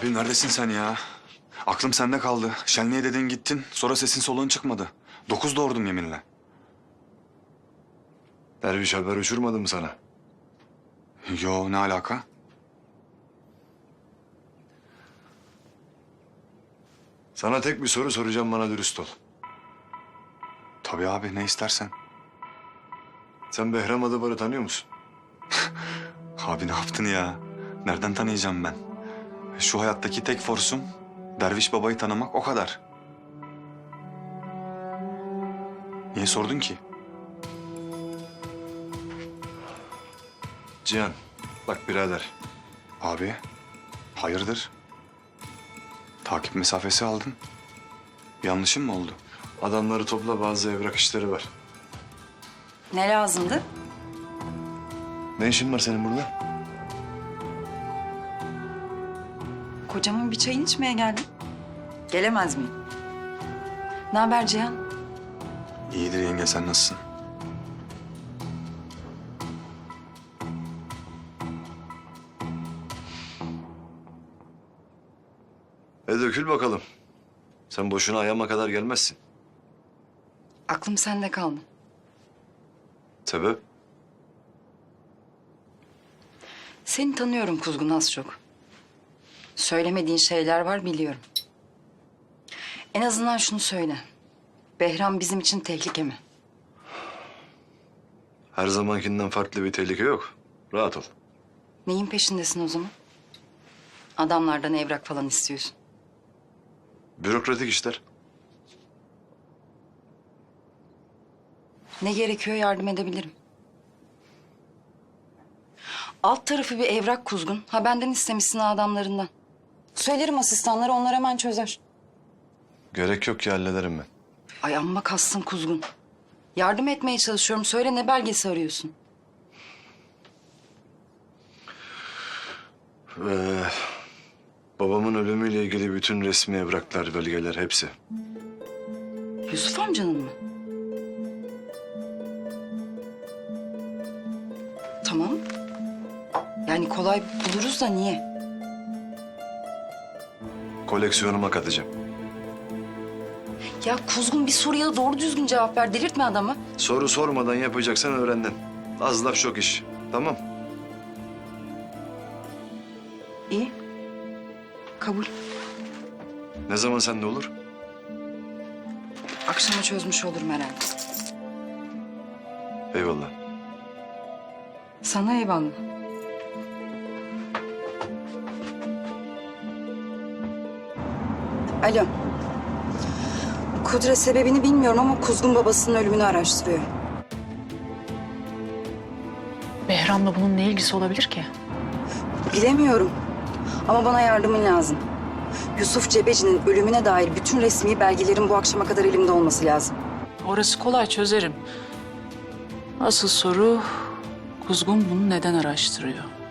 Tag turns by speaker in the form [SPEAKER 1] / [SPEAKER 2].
[SPEAKER 1] Abi neredesin sen ya? Aklım sende kaldı. Şenliğe dedin gittin. Sonra sesin soluğun çıkmadı. 9 doğurdum yeminle.
[SPEAKER 2] Derviş haber uçurmadı mı sana?
[SPEAKER 1] Yo, ne alaka?
[SPEAKER 2] Sana tek bir soru soracağım, bana dürüst ol.
[SPEAKER 1] Tabii abi, ne istersen.
[SPEAKER 2] Sen Behram Adıvar'ı tanıyor musun?
[SPEAKER 1] Abi ne yaptın ya? Nereden tanıyacağım ben? Şu hayattaki tek forsum Derviş babayı tanımak, o kadar. Niye sordun ki?
[SPEAKER 2] Cihan, bak birader.
[SPEAKER 1] Abi, hayırdır? Takip mesafesi aldın. Bir yanlışım mı oldu?
[SPEAKER 2] Adamları topla, bazı evrak işleri var.
[SPEAKER 3] Ne lazımdı?
[SPEAKER 2] Ne işin var senin burada?
[SPEAKER 3] Kocamın bir çayını içmeye geldim. Gelemez miyim? Ne haber Cihan?
[SPEAKER 1] İyidir yenge, sen nasılsın?
[SPEAKER 2] Dökül bakalım. Sen boşuna ayağıma kadar gelmezsin.
[SPEAKER 3] Aklım sende kaldı.
[SPEAKER 2] Sebep?
[SPEAKER 3] Seni tanıyorum Kuzgun az çok. Söylemediğin şeyler var biliyorum. En azından şunu söyle. Behram bizim için tehlike mi?
[SPEAKER 2] Her zamankinden farklı bir tehlike yok. Rahat ol.
[SPEAKER 3] Neyin peşindesin o zaman? Adamlardan evrak falan istiyorsun.
[SPEAKER 2] Bürokratik işler.
[SPEAKER 3] Ne gerekiyor yardım edebilirim. Alt tarafı bir evrak Kuzgun. Ha benden istemişsin adamlarından. Söylerim asistanlara, onlar hemen çözer.
[SPEAKER 2] Gerek yok ki, hallederim ben.
[SPEAKER 3] Ay amma kastın Kuzgun. Yardım etmeye çalışıyorum. Söyle, ne belgesi arıyorsun?
[SPEAKER 2] Babamın ölümüyle ilgili bütün resmi evraklar, belgeler hepsi.
[SPEAKER 3] Yusuf amcanın mı? Tamam. Yani kolay buluruz da niye?
[SPEAKER 2] Koleksiyonuma katacağım.
[SPEAKER 3] Ya Kuzgun, bir soruya doğru düzgün cevap ver. Delirtme adamı.
[SPEAKER 2] Soru sormadan yapacaksan öğrendin. Az laf çok iş. Tamam.
[SPEAKER 3] İyi. Kabul.
[SPEAKER 2] Ne zaman sende olur?
[SPEAKER 3] Akşama çözmüş olurum herhalde.
[SPEAKER 2] Eyvallah.
[SPEAKER 3] Sana eyvallah. Alo. Kudret, sebebini bilmiyorum ama Kuzgun babasının ölümünü araştırıyor.
[SPEAKER 4] Behram'la bunun ne ilgisi olabilir ki?
[SPEAKER 3] Bilemiyorum. Ama bana yardımın lazım. Yusuf Cebeci'nin ölümüne dair bütün resmi belgelerin bu akşama kadar elimde olması lazım.
[SPEAKER 4] Orası kolay, çözerim. Asıl soru Kuzgun bunu neden araştırıyor?